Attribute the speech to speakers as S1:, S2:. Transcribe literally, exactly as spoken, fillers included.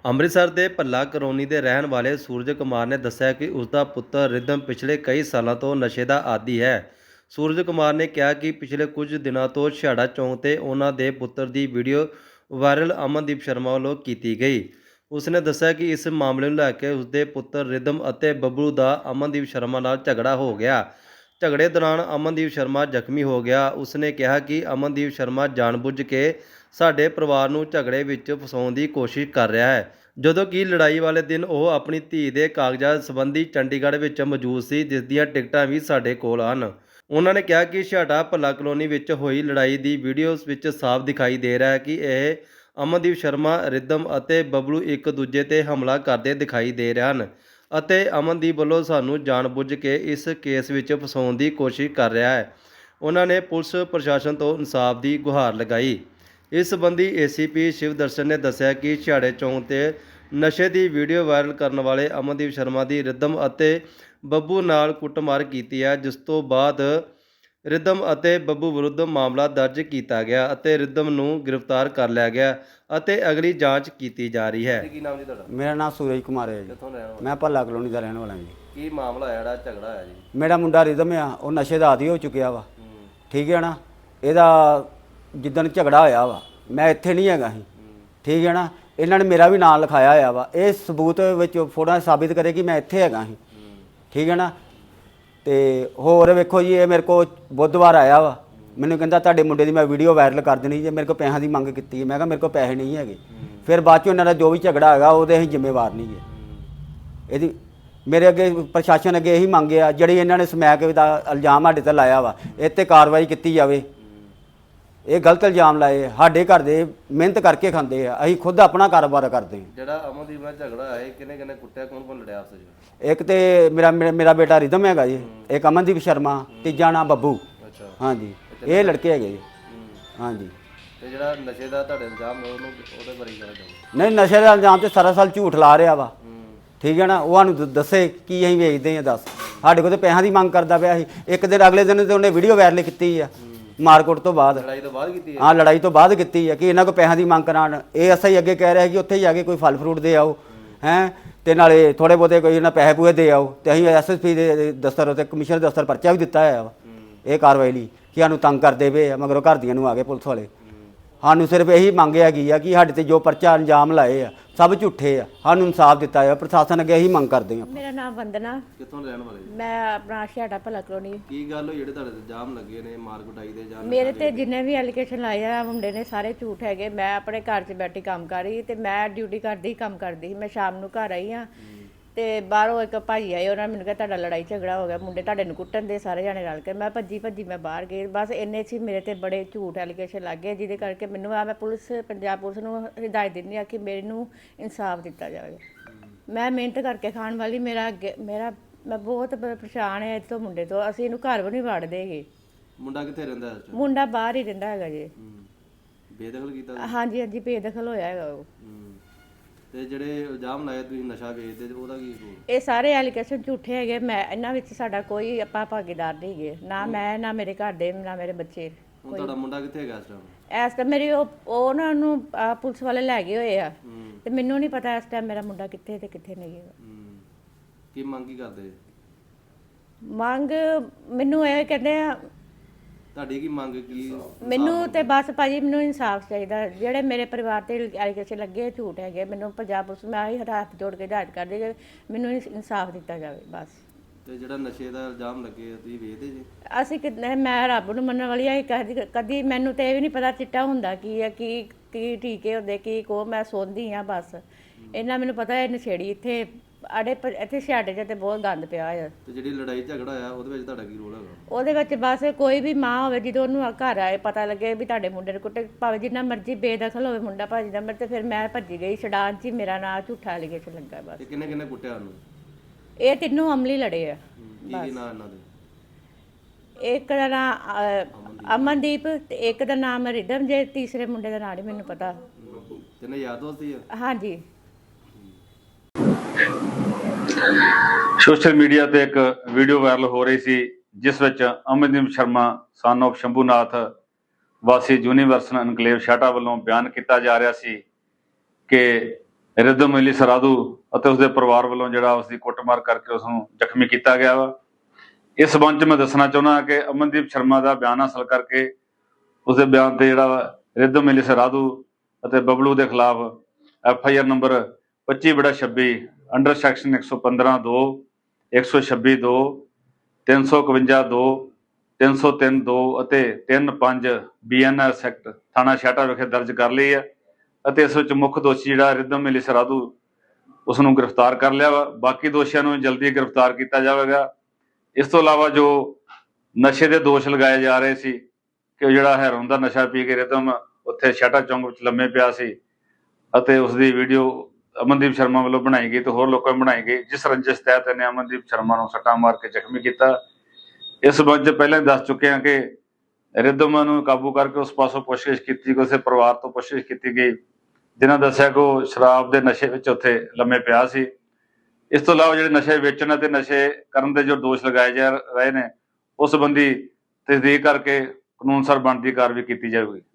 S1: ਅੰਮ੍ਰਿਤਸਰ ਦੇ ਭੱਲਾ ਕਲੋਨੀ ਦੇ ਰਹਿਣ ਵਾਲੇ ਸੂਰਜ ਕੁਮਾਰ ਨੇ ਦੱਸਿਆ ਕਿ ਉਸ ਦਾ ਪੁੱਤਰ ਰਿਦਮ ਪਿਛਲੇ ਕਈ ਸਾਲਾਂ ਤੋਂ ਨਸ਼ੇ ਦਾ ਆਦੀ ਹੈ। ਸੂਰਜ ਕੁਮਾਰ ਨੇ ਕਿਹਾ ਕਿ ਪਿਛਲੇ ਕੁਝ ਦਿਨਾਂ ਤੋਂ ਛਿਹਾੜਾ ਚੌਂਕ ਤੇ ਉਹਨਾਂ ਦੇ ਪੁੱਤਰ ਦੀ ਵੀਡੀਓ ਵਾਇਰਲ ਅਮਨਦੀਪ ਸ਼ਰਮਾ ਵੱਲੋਂ ਕੀਤੀ ਗਈ। ਉਸਨੇ ਦੱਸਿਆ ਕਿ ਇਸ ਮਾਮਲੇ ਨੂੰ ਲੈ ਕੇ ਉਸਦੇ ਪੁੱਤਰ ਰਿਦਮ ਅਤੇ ਬੱਬਲੂ ਦਾ ਅਮਨਦੀਪ ਸ਼ਰਮਾ ਨਾਲ ਝਗੜਾ ਹੋ ਗਿਆ। ਝਗੜੇ ਦੌਰਾਨ ਅਮਨਦੀਪ ਸ਼ਰਮਾ ਜ਼ਖਮੀ ਹੋ ਗਿਆ। ਉਸਨੇ ਕਿਹਾ ਕਿ ਅਮਨਦੀਪ ਸ਼ਰਮਾ ਜਾਣਬੁੱਝ ਕੇ ਸਾਡੇ ਪਰਿਵਾਰ ਨੂੰ ਝਗੜੇ ਵਿੱਚ ਫਸਾਉਣ ਦੀ ਕੋਸ਼ਿਸ਼ ਕਰ ਰਿਹਾ ਹੈ, ਜਦੋਂ ਕਿ ਲੜਾਈ ਵਾਲੇ ਦਿਨ ਉਹ ਆਪਣੀ ਧੀ ਦੇ ਕਾਗਜ਼ਾਤ ਸੰਬੰਧੀ ਚੰਡੀਗੜ੍ਹ ਵਿੱਚ ਮੌਜੂਦ ਸੀ, ਜਿਸ ਦੀਆਂ ਟਿਕਟਾਂ ਵੀ ਸਾਡੇ ਕੋਲ ਹਨ। ਉਹਨਾਂ ਨੇ ਕਿਹਾ ਕਿ ਛਿਹਾੜਾ ਭੱਲਾ ਕਲੋਨੀ ਵਿੱਚ ਹੋਈ ਲੜਾਈ ਦੀ ਵੀਡੀਓ ਵਿੱਚ ਸਾਫ਼ ਦਿਖਾਈ ਦੇ ਰਿਹਾ ਹੈ ਕਿ ਇਹ ਅਮਨਦੀਪ ਸ਼ਰਮਾ, ਰਿਦਮ ਅਤੇ ਬੱਬਲੂ ਇੱਕ ਦੂਜੇ ਤੇ ਹਮਲਾ ਕਰਦੇ ਦਿਖਾਈ ਦੇ ਰਹੇ ਹਨ ਅਤੇ ਅਮਨਦੀਪ ਵੱਲੋਂ ਸਾਨੂੰ ਜਾਣਬੁੱਝ ਕੇ ਇਸ ਕੇਸ ਵਿੱਚ ਫਸਾਉਣ ਦੀ ਕੋਸ਼ਿਸ਼ ਕਰ ਰਿਹਾ ਹੈ। ਉਹਨਾਂ ਨੇ ਪੁਲਿਸ ਪ੍ਰਸ਼ਾਸਨ ਤੋਂ ਇਨਸਾਫ ਦੀ ਗੁਹਾਰ ਲਗਾਈ। ਇਸ ਸੰਬੰਧੀ ਏ ਸੀ ਪੀ ਸ਼ਿਵ ਦਰਸ਼ਨ ਨੇ ਦੱਸਿਆ ਕਿ ਛਿਹਾੜੇ ਚੌਂਕ ਤੇ ਨਸ਼ੇ ਦੀ ਵੀਡੀਓ ਵਾਇਰਲ ਕਰਨ ਵਾਲੇ ਅਮਨਦੀਪ ਸ਼ਰਮਾ ਦੀ ਰਿਦਮ ਅਤੇ ਬੱਬੂ ਨਾਲ ਕੁੱਟਮਾਰ ਕੀਤੀ ਹੈ, ਜਿਸ ਤੋਂ ਬਾਅਦ ਰਿਦਮ ਅਤੇ ਬੱਬੂ ਵਿਰੁੱਧ ਮਾਮਲਾ ਦਰਜ ਕੀਤਾ ਗਿਆ ਅਤੇ ਰਿਦਮ ਨੂੰ ਗ੍ਰਿਫਤਾਰ ਕਰ ਲਿਆ ਗਿਆ ਅਤੇ ਅਗਲੀ ਜਾਂਚ ਕੀਤੀ ਜਾ ਰਹੀ ਹੈ। ਕੀ ਨਾਮ ਜੀ ਤੁਹਾਡਾ?
S2: ਮੇਰਾ ਨਾਮ ਸੂਰਜ ਕੁਮਾਰ ਹੈ ਜੀ।
S1: ਕਿੱਥੋਂ ਰਹਿਣ ਵਾਲੇ?
S2: ਮੈਂ ਭੱਲਾ ਕਲੋਨੀ ਦਾ ਰਹਿਣ ਵਾਲਾ ਜੀ।
S1: ਕੀ ਮਾਮਲਾ ਹੈ ਜਿਹੜਾ ਝਗੜਾ ਹੋਇਆ ਜੀ?
S2: ਮੇਰਾ ਮੁੰਡਾ ਰਿਦਮ ਆ, ਉਹ ਨਸ਼ੇ ਦਾ ਆਦੀ ਹੋ ਚੁੱਕਿਆ ਵਾ। ਠੀਕ ਹੈ ਨਾ। ਇਹਦਾ ਜਿੱਦਣ ਝਗੜਾ ਹੋਇਆ ਵਾ, ਮੈਂ ਇੱਥੇ ਨਹੀਂ ਹੈਗਾ ਸੀ। ਠੀਕ ਹੈ ਨਾ। ਇਹਨਾਂ ਨੇ ਮੇਰਾ ਵੀ ਨਾਂ ਲਿਖਾਇਆ ਹੋਇਆ ਵਾ। ਇਹ ਸਬੂਤ ਵਿੱਚ ਫੋਟੋਆਂ ਸਾਬਿਤ ਕਰੇ ਕਿ ਮੈਂ ਇੱਥੇ ਹੈਗਾ ਸੀ। ਠੀਕ ਹੈ ਨਾ। ਤੇ ਹੋਰ ਵੇਖੋ ਜੀ, ਇਹ ਮੇਰੇ ਕੋਲ ਬੁੱਧਵਾਰ ਆਇਆ ਵਾ। ਮੈਨੂੰ ਕਹਿੰਦਾ ਤੁਹਾਡੇ ਮੁੰਡੇ ਦੀ ਮੈਂ ਵੀਡੀਓ ਵਾਇਰਲ ਕਰ ਦੇਣੀ ਜੇ। ਮੇਰੇ ਕੋਲ ਪੈਸਿਆਂ ਦੀ ਮੰਗ ਕੀਤੀ। ਮੈਂ ਕਿਹਾ ਮੇਰੇ ਕੋਲ ਪੈਸੇ ਨਹੀਂ ਹੈਗੇ। ਫਿਰ ਬਾਅਦ 'ਚੋਂ ਇਹਨਾਂ ਦਾ ਜੋ ਵੀ ਝਗੜਾ ਹੈਗਾ ਉਹਦੇ ਅਸੀਂ ਜ਼ਿੰਮੇਵਾਰ ਨਹੀਂ ਹੈ। ਇਹਦੀ ਮੇਰੇ ਅੱਗੇ ਪ੍ਰਸ਼ਾਸਨ ਅੱਗੇ ਇਹੀ ਮੰਗ ਆ, ਜਿਹੜੀ ਇਹਨਾਂ ਨੇ ਸਮੈਕ ਦਾ ਇਲਜ਼ਾਮ ਸਾਡੇ 'ਤੇ ਲਾਇਆ ਵਾ, ਇਹ 'ਤੇ ਕਾਰਵਾਈ ਕੀਤੀ ਜਾਵੇ। ਇਹ ਗਲਤ ਇਲਜ਼ਾਮ ਲਾਏ। ਸਾਡੇ ਘਰ ਦੇ ਮਿਹਨਤ ਕਰਕੇ ਖਾਂਦੇ ਆ, ਅਸੀਂ ਖੁਦ ਆਪਣਾ ਕਾਰੋਬਾਰ ਕਰਦੇ ਹਾਂ।
S1: ਜਿਹੜਾ ਅਮਨਦੀਪ ਨਾਲ ਝਗੜਾ ਹੈ, ਕਿਹਨੇ ਕਿਹਨੇ ਕੁੱਟਿਆ, ਕੌਣ ਕੌਣ ਲੜਿਆ ਆਪਸ ਵਿੱਚ?
S2: ਇੱਕ ਤੇ ਮੇਰਾ ਮੇਰਾ ਬੇਟਾ ਰਿਦਮ ਹੈਗਾ ਜੀ, ਇੱਕ ਅਮਨਦੀਪ ਸ਼ਰਮਾ, ਤੀਜਾ ਨਾਮ ਬੱਬੂ।
S1: ਅੱਛਾ। ਹਾਂਜੀ,
S2: ਇਹ ਲੜਕੇ ਹੈਗੇ ਜੀ। ਹਾਂਜੀ।
S1: ਤੇ ਜਿਹੜਾ ਨਸ਼ੇ ਦਾ ਤੁਹਾਡੇ ਇਲਜ਼ਾਮ ਉਹਨੂੰ ਉਹਦੇ ਬਾਰੇ ਗੱਲ ਕਰੋ।
S2: ਨਹੀਂ, ਨਸ਼ੇ ਦਾ ਇਲਜ਼ਾਮ ਤੇ ਸਾਰਾ ਸਾਲ ਝੂਠ ਲਾ ਰਿਹਾ ਵਾ। ਠੀਕ ਹੈ ਨਾ। ਉਹ ਸਾਨੂੰ ਦੱਸੇ ਕੀ ਅਸੀਂ ਵੇਚਦੇ ਹਾਂ, ਦੱਸ। ਸਾਡੇ ਕੋਲ ਤੇ ਪੈਸਿਆਂ ਦੀ ਮੰਗ ਕਰਦਾ ਪਿਆ ਸੀ। ਇੱਕ ਦਿਨ ਅਗਲੇ ਦਿਨ ਤੇ ਉਹਨੇ ਵੀਡੀਓ ਵਾਇਰਲ ਕੀਤੀ ਆ ਮਾਰਕੋਟ ਤੋਂ ਬਾਅਦ।
S1: ਲੜਾਈ ਤੋਂ ਬਾਅਦ ਕੀਤੀ ਹੈ? ਹਾਂ,
S2: ਲੜਾਈ ਤੋਂ ਬਾਅਦ ਕੀਤੀ ਹੈ ਕਿ ਇਹਨਾਂ ਕੋਲ ਪੈਸਿਆਂ ਦੀ ਮੰਗ ਕਰਾਉਣ। ਇਹ ਅਸਾਂ ਹੀ ਅੱਗੇ ਕਹਿ ਰਿਹਾ ਕਿ ਉੱਥੇ ਜਾ ਕੇ ਕੋਈ ਫਲ ਫਰੂਟ ਦੇ ਆਓ ਹੈਂ, ਤੇ ਨਾਲੇ ਥੋੜ੍ਹੇ ਬਹੁਤੇ ਕੋਈ ਇਹਨਾਂ ਪੈਸੇ ਪੂਏ ਦੇ ਆਓ। ਤੇ ਅਸੀਂ ਐਸ ਐਸ ਪੀ ਦੇ ਦਫ਼ਤਰ ਉੱਤੇ ਕਮਿਸ਼ਨਰ ਦਫ਼ਤਰ ਪਰਚਾ ਵੀ ਦਿੱਤਾ ਹੋਇਆ ਵਾ ਇਹ ਕਾਰਵਾਈ ਲਈ ਕਿ ਸਾਨੂੰ ਤੰਗ ਕਰਦੇ ਪਏ ਆ। ਮਗਰੋਂ ਘਰ ਦੀਆਂ ਨੂੰ ਆ ਗਏ ਪੁਲਿਸ ਵਾਲੇ। ਸਾਨੂੰ ਸਿਰਫ ਇਹੀ ਮੰਗ ਹੈਗੀ ਆ ਕਿ ਸਾਡੇ ਤੇ ਜੋ ਪਰਚਾ ਅੰਜਾਮ ਲਾਏ ਆ ਸਭ ਝੂਠੇ ਆ, ਸਾਨੂੰ ਇਨਸਾਫ ਦਿੱਤਾ ਜਾਵੇ। ਪ੍ਰਸ਼ਾਸਨ ਅੱਗੇ ਇਹੀ ਮੰਗ ਕਰਦੇ ਆ।
S3: ਮੇਰਾ ਨਾਮ ਵੰਦਨਾ।
S1: ਕਿੱਥੋਂ ਰਹਿਣ ਵਾਲੇ?
S3: ਮੈਂ ਆਪਣਾ ਛਿਹਾੜਾ ਭੱਲਾ ਕਲੋਨੀ।
S1: ਕੀ ਗੱਲ ਹੋਈ ਜਿਹੜੇ ਤੁਹਾਡੇ ਇਲਜ਼ਾਮ ਲੱਗੇ ਨੇ ਮਾਰ ਕੁਟਾਈ ਦੇ ਜਾਂ?
S3: ਮੇਰੇ ਤੇ ਜਿੰਨੇ ਵੀ ਐਲੀਗੇਸ਼ਨ ਲਾਏ ਆ ਮੁੰਡੇ ਨੇ ਸਾਰੇ ਝੂਠ ਹੈਗੇ। ਮੈਂ ਆਪਣੇ ਘਰ 'ਚ ਬੈਠੀ ਕੰਮ ਕਰ ਰਹੀ ਤੇ ਮੈਂ ਡਿਊਟੀ ਕਰਦੀ ਕੰਮ ਕਰਦੀ ਸੀ। ਮੈਂ ਸ਼ਾਮ ਨੂੰ ਘਰ ਆਈ ਹਾਂ ਤੇ ਬਾਹਰੋਂ ਇੱਕ ਭਾਈ ਆਏ, ਉਹਨਾਂ ਨੇ ਮੈਨੂੰ ਕਿਹਾ ਤੁਹਾਡਾ ਲੜਾਈ ਝਗੜਾ ਹੋ ਗਿਆ, ਮੁੰਡੇ ਤੁਹਾਡੇ ਨੂੰ ਕੁੱਟਣ ਦੇ ਸਾਰੇ ਜਾਣੇ ਰਲ ਕੇ। ਮੈਂ ਭੱਜੀ ਭੱਜੀ ਮੈਂ ਬਾਹਰ ਗਈ। ਬਸ ਇੰਨੇ 'ਚ ਮੇਰੇ ਤੇ ਬੜੇ ਝੂਠ ਐਲੀਗੇਸ਼ਨ ਲੱਗ ਗਏ, ਜਿਹਦੇ ਕਰਕੇ ਮੈਨੂੰ ਆ ਮੈਂ ਪੁਲਿਸ ਪੰਜਾਬ ਪੁਲਿਸ ਨੂੰ ਹਿਦਾਇਤ ਦਿੰਦੀ ਆ ਕਿ ਮੈਨੂੰ ਇਨਸਾਫ ਦਿੱਤਾ ਜਾਵੇ। ਮੈਂ ਮਿਹਨਤ ਕਰਕੇ ਖਾਣ ਵਾਲੀ, ਮੇਰਾ ਅੱਗੇ ਮੇਰਾ ਮੈਂ ਬਹੁਤ ਪਰੇਸ਼ਾਨ ਹੈ ਇਸ ਤੋਂ ਮੁੰਡੇ ਤੋਂ। ਅਸੀਂ ਇਹਨੂੰ ਘਰ ਵੀ ਨਹੀਂ ਵੜਦੇ ਹੈਗੇ।
S1: ਮੁੰਡਾ ਕਿੱਥੇ ਰਹਿੰਦਾ ਹੈ?
S3: ਮੁੰਡਾ ਬਾਹਰ ਹੀ ਰਹਿੰਦਾ ਹੈਗਾ ਜੀ।
S1: ਬੇਦਖਲ ਕੀਤਾ?
S3: ਹਾਂਜੀ ਹਾਂਜੀ, ਬੇਦਖਲ ਹੋਇਆ ਹੈਗਾ ਉਹ।
S1: ਤੇ ਜਿਹੜੇ ਇਲਜ਼ਾਮ ਲਾਏ ਤੁਸੀਂ ਨਸ਼ਾ ਵੇਚਦੇ ਤੇ ਉਹਦਾ ਕੀ ਕਸੂਰ?
S3: ਇਹ ਸਾਰੇ ਐਲੀਗੇਸ਼ਨ ਝੂਠੇ ਹੈਗੇ। ਮੈਂ ਇਹਨਾਂ ਵਿੱਚ ਸਾਡਾ ਕੋਈ ਆਪਾਂ ਭਾਗੀਦਾਰ ਨਹੀਂ ਹੈਗੇ, ਨਾ ਮੈਂ ਨਾ ਮੇਰੇ ਘਰ ਦੇ ਨਾ ਮੇਰੇ ਬੱਚੇ।
S1: ਹੁਣ ਤੁਹਾਡਾ ਮੁੰਡਾ ਕਿੱਥੇ ਹੈਗਾ ਇਸ ਟਾਈਮ?
S3: ਇਸ ਟਾਈਮ ਮੇਰੀ ਉਹ ਉਹਨਾਂ ਨੂੰ ਪੁਲਿਸ ਵਾਲੇ ਲੈ ਗਏ ਹੋਏ ਆ ਤੇ ਮੈਨੂੰ ਨਹੀਂ ਪਤਾ ਇਸ ਟਾਈਮ ਮੇਰਾ ਮੁੰਡਾ ਕਿੱਥੇ ਤੇ ਕਿੱਥੇ ਨਹੀਂ ਹੈਗਾ।
S1: ਕੀ ਮੰਗ ਕੀ ਕਰਦੇ?
S3: ਮੰਗ ਮੈਨੂੰ ਇਹ ਕਹਿੰਦੇ ਆ।
S1: ਤੁਹਾਡੀ ਕੀ ਮੰਗ? ਕੀ
S3: ਮੈਨੂੰ ਤੇ ਬਸ ਭਾਜੀ ਮੈਨੂੰ ਇਨਸਾਫ ਚਾਹੀਦਾ। ਜਿਹੜੇ ਮੇਰੇ ਪਰਿਵਾਰ ਤੇ ਐਲੀਗੇਸ਼ਨ ਲੱਗੇ ਝੂਠ ਹੈਗੇ। ਮੈਨੂੰ ਪੰਜਾਬ ਪੁਲਿਸ ਮੈਂ ਆਹੀ ਹੱਥ ਜੋੜ ਕੇ ਹਦਾਇਤ ਕਰਦੀ ਕਿ ਮੈਨੂੰ ਇਨਸਾਫ ਦਿੱਤਾ ਜਾਵੇ ਬਸ।
S1: ਤੇ ਜਿਹੜਾ ਨਸ਼ੇ ਦਾ ਇਲਜ਼ਾਮ ਲੱਗੇ ਤੁਸੀਂ ਵੇਚਦੇ ਜੀ?
S3: ਅਸੀਂ ਕਿੰਨੇ ਮੈਂ ਰੱਬ ਨੂੰ ਮੰਨਣ ਵਾਲੀ ਆ। ਕਦੀ ਕਦੀ ਮੈਨੂੰ ਤੇ ਇਹ ਵੀ ਨਹੀਂ ਪਤਾ ਚਿੱਟਾ ਹੁੰਦਾ ਕੀ ਹੈ, ਕੀ ਕੀ ਟੀਕੇ ਹੁੰਦੇ, ਕੀ ਕੋ ਮੈਂ ਸੁਣਦੀ ਆ ਬਸ। ਇਹਨਾਂ ਮੈਨੂੰ ਪਤਾ ਇਹ ਨਸ਼ੇੜੀ ਇੱਥੇ ਆੜੇ ਇੱਥੇ ਛਿਹਾੜੇ 'ਚ ਤੇ ਬਹੁਤ ਗੰਦ ਪਿਆ ਆ।
S1: ਤੇ ਜਿਹੜੀ ਲੜਾਈ ਝਗੜਾ ਆ ਉਹਦੇ ਵਿੱਚ ਤੁਹਾਡਾ ਕੀ ਰੋਲ ਹੈਗਾ?
S3: ਉਹਦੇ ਵਿੱਚ ਬਸ ਕੋਈ ਵੀ ਮਾਂ ਹੋਵੇ, ਜਦੋਂ ਉਹਨੂੰ ਘਰ ਆਏ ਪਤਾ ਲੱਗੇ ਵੀ ਤੁਹਾਡੇ ਮੁੰਡੇ ਨੂੰ ਕੁੱਟੇ, ਭਾਵੇਂ ਜਿੰਨਾ ਮਰਜ਼ੀ ਬੇਦਖਲ ਹੋਵੇ ਮੁੰਡਾ ਭਾਜੀ ਦਾ, ਮੇਰੇ ਤੇ ਫਿਰ ਮੈਂ ਭੱਜੀ ਗਈ ਛਡਾਣ 'ਚ ਹੀ ਮੇਰਾ ਨਾਂ ਝੂਠਾ ਐਲੀਗੇਸ਼ਨ ਲੱਗਾ ਬਸ।
S1: ਤੇ ਕਿੰਨੇ ਕਿੰਨੇ ਕੁੱਟਿਆ ਉਹਨੂੰ?
S3: ਇਹ ਤਿੰਨੋਂ ਅਮਲੀ ਲੜੇ ਆ।
S1: ਕੀ ਕੀ ਨਾਂ ਇਹਨਾਂ ਦੇ?
S3: ਇੱਕ ਦਾ ਨਾਮ ਅਮਨਦੀਪ ਤੇ ਇੱਕ ਦਾ ਨਾਮ ਰਿਦਮ ਜੇ, ਤੀਸਰੇ ਮੁੰਡੇ ਦਾ ਨਾਂ ਨਹੀਂ ਮੈਨੂੰ ਪਤਾ।
S1: ਤਿੰਨੇ ਯਾਰ ਦੋਸਤ ਹੀ ਆ?
S3: ਹਾਂਜੀ।
S4: ਸੋਸ਼ਲ ਮੀਡੀਆ ਤੇ ਇੱਕ ਵੀਡੀਓ ਵਾਇਰਲ ਹੋ ਰਹੀ ਸੀ, ਜਿਸ ਵਿੱਚ ਅਮਨਦੀਪ ਸ਼ਰਮਾ ਸਨ ਆਫ ਸ਼ੰਭੂਨਾਥ ਵਾਸੀ ਯੂਨੀਵਰਸਲ ਐਨਕਲੇਵ ਛਿਹਾੜਾ ਵੱਲੋਂ ਬਿਆਨ ਕੀਤਾ ਜਾ ਰਿਹਾ ਸੀ ਕਿ ਰਿਦਮ ਅਲੀ ਸਰਾਧੂ ਅਤੇ ਉਸਦੇ ਪਰਿਵਾਰ ਵੱਲੋਂ ਜਿਹੜਾ ਉਸਦੀ ਕੁੱਟਮਾਰ ਕਰਕੇ ਉਸ ਨੂੰ ਜ਼ਖਮੀ ਕੀਤਾ ਗਿਆ ਵਾ। ਇਸ ਸੰਬੰਧ 'ਚ ਮੈਂ ਦੱਸਣਾ ਚਾਹੁੰਦਾ ਕਿ ਅਮਨਦੀਪ ਸ਼ਰਮਾ ਦਾ ਬਿਆਨ ਹਾਸਲ ਕਰਕੇ ਉਸਦੇ ਬਿਆਨ ਤੇ ਜਿਹੜਾ ਵਾ ਰਿਦਮ ਅਲੀ ਸਰਾਧੂ ਅਤੇ ਬਬਲੂ ਦੇ ਖਿਲਾਫ ਐਫ ਆਈ ਆਰ ਨੰਬਰ ਪੱਚੀ ਬੜਾ ਛੱਬੀ ਅੰਡਰ ਸੈਕਸ਼ਨ ਇੱਕ ਸੌ ਪੰਦਰਾਂ ਦੋ ਇੱਕ ਸੌ ਛੱਬੀ ਦੋ ਤਿੰਨ ਸੌ ਇਕਵੰਜਾ ਦੋ ਤਿੰਨ ਸੌ ਤਿੰਨ ਦੋ ਅਤੇ ਤਿੰਨ ਪੰਜ ਬੀ ਐਨ ਐਸ ਐਕਟ ਥਾਣਾ ਛਾਟਾ ਵਿਖੇ ਦਰਜ ਕਰ ਲਈ ਹੈ ਅਤੇ ਇਸ ਵਿੱਚ ਮੁੱਖ ਦੋਸ਼ੀ ਜਿਹੜਾ ਰਿਦਮ ਅਲੀ ਸਰਾਧੂ ਉਸ ਨੂੰ ਗ੍ਰਿਫਤਾਰ ਕਰ ਲਿਆ ਵਾ। ਬਾਕੀ ਦੋਸ਼ੀਆਂ ਨੂੰ ਜਲਦੀ ਗ੍ਰਿਫਤਾਰ ਕੀਤਾ ਜਾਵੇਗਾ। ਇਸ ਤੋਂ ਇਲਾਵਾ ਜੋ ਨਸ਼ੇ ਦੇ ਦੋਸ਼ ਲਗਾਏ ਜਾ ਰਹੇ ਸੀ ਕਿ ਉਹ ਜਿਹੜਾ ਹੈਰੋਨ ਦਾ ਨਸ਼ਾ ਪੀ ਕੇ ਰਿਦਮ ਉੱਥੇ ਛਾਟਾ ਚੌਂਕ ਵਿੱਚ ਲੰਮੇ ਪਿਆ ਸੀ ਅਤੇ ਉਸ ਦੀ ਵੀਡੀਓ ਅਮਨਦੀਪ ਸ਼ਰਮਾ ਵੱਲੋਂ ਬਣਾਈ ਗਈ ਤੇ ਹੋਰ ਲੋਕਾਂ ਨੇ ਬਣਾਈ ਗਈ, ਜਿਸ ਰੰਜਿਸ਼ ਤਹਿਤ ਇਹਨੇ ਅਮਨਦੀਪ ਸ਼ਰਮਾ ਨੂੰ ਸੱਟਾਂ ਮਾਰ ਕੇ ਜ਼ਖਮੀ ਕੀਤਾ। ਇਸ ਸੰਬੰਧ 'ਚ ਪਹਿਲਾਂ ਹੀ ਦੱਸ ਚੁੱਕੇ ਹਾਂ ਕਿ ਰਿਦਮ ਨੂੰ ਕਾਬੂ ਕਰਕੇ ਉਸ ਪਾਸੋਂ ਪੁੱਛਗਿੱਛ ਕੀਤੀ ਗਈ, ਉਸਦੇ ਪਰਿਵਾਰ ਤੋਂ ਪੁੱਛਗਿੱਛ ਕੀਤੀ ਗਈ, ਜਿਨ੍ਹਾਂ ਦੱਸਿਆ ਕਿ ਉਹ ਸ਼ਰਾਬ ਦੇ ਨਸ਼ੇ ਵਿੱਚ ਉੱਥੇ ਲੰਮੇ ਪਿਆ ਸੀ। ਇਸ ਤੋਂ ਇਲਾਵਾ ਜਿਹੜੇ ਨਸ਼ੇ ਵੇਚਣ ਅਤੇ ਨਸ਼ੇ ਕਰਨ ਦੇ ਜੋ ਦੋਸ਼ ਲਗਾਏ ਜਾ ਰਹੇ ਨੇ ਉਸ ਸੰਬੰਧੀ ਤਸਦੀਕ ਕਰਕੇ ਕਾਨੂੰਨ ਅਨੁਸਾਰ ਬਣਦੀ ਕਾਰਵਾਈ ਕੀਤੀ ਜਾਵੇਗੀ।